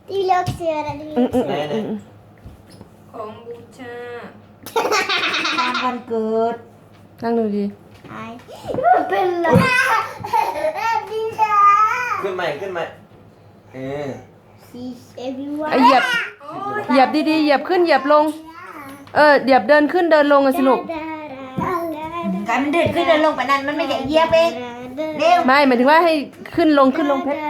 ที่เลือกเสื้ออะไรนี่ของบูชาวันเกิดนั่งดูดีไอ้เป็นไรดีจ้าขึ้นใหม่ขึ้นใหม่ซีเอวิวเหยียบเหยียบดีๆเหยียบขึ้นเหยียบลงเหยียบเดินขึ้นเดินลงอะสิลูกการมันเดินขึ้นเดินลงไปนั้นมันไม่ใช่เหยียบเองเร็วไม่หมายถึงว่าให้ขึ้นลงเพชร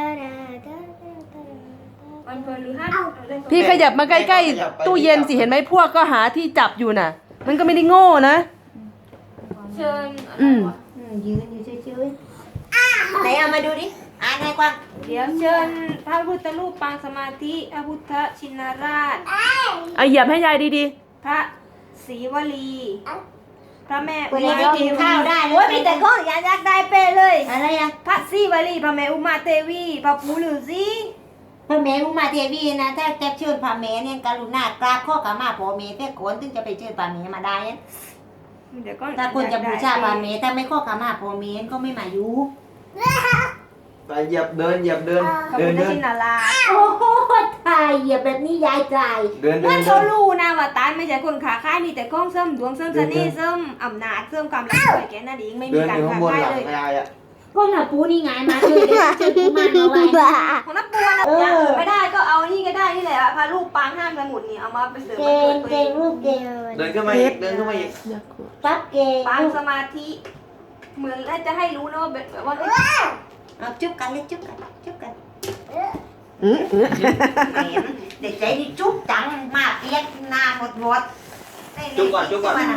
วันพฤหัสพี่ขยับมาใกล้ๆตู้เย็นสิเห็นไหมพวกก็หาที่จับอยู่น่ะ มันก็ไม่ได้โง่นะเชิญยืนอยู่เฉยๆไหนเอามาดูดิอ่านให้กว้างเดี๋ยวเชิญพระพุทธรูปปางสมาธิพระพุทธชินราชเหยียบให้ยายดีพระศรีวลี พระแม่วันนี้ไม่กินข้าวได้เลโอ้ยยมีแต่ข้องอยากได้เป้เลยอะไรอ่ะพระศรีวลีพระแม่อุมาเทวีพระปู่ฤาษีพระแม่อุมาเทวีนะถ้าจะเชิญพระแม่เนี่ยกรุณากราบข้อขมาพ่อแม่แต่คนถึงจะไปเชิญพระแม่มาได้นะเดี๋ยวก็ถ้าคนจะบูชาพระแม่ถ้าไม่ข้อขมาพ่อแม่ก็ไม่มาอยู่ไปเหยียบเดินพระพุทธชินราชโอ้โหตายเหยียบแบบนี้ยายตายเดินมันเขารู้นะว่าตายไม่ใช่คนขาค่ายมีแต่ข้องเสริมดวงเสริมเสน่ห์เสริมอำนาจเสริมความรักแค่นั้นเองไม่มีเดินกาอรยู่ข้างขาบนค่ายหลังเลยยายอ่ะพวกหน้าปูนี่ไงมาช่วยกูมาเอาไว้ของนักบัวนะอย่างอื่นไม่ได้ก็เอานี่ก็ได้นี่แหละพระรูปปางห้ามสมุดนี่เอามาไปเสริมเก่งเก่งลูกเก่งเดินขึ้นมาอีกเดินขึ้นมาอีกปั๊บเก่งปางสมาธิเหมือนแล้วจะให้รู้นะว่าแบบว่าเอาจุ๊บกันเลยจุ๊บกันจุ๊บกันๆแหมเด็กใจนี่จุ๊บจังมากเรียกหน้าหมดจุ๊บก่อน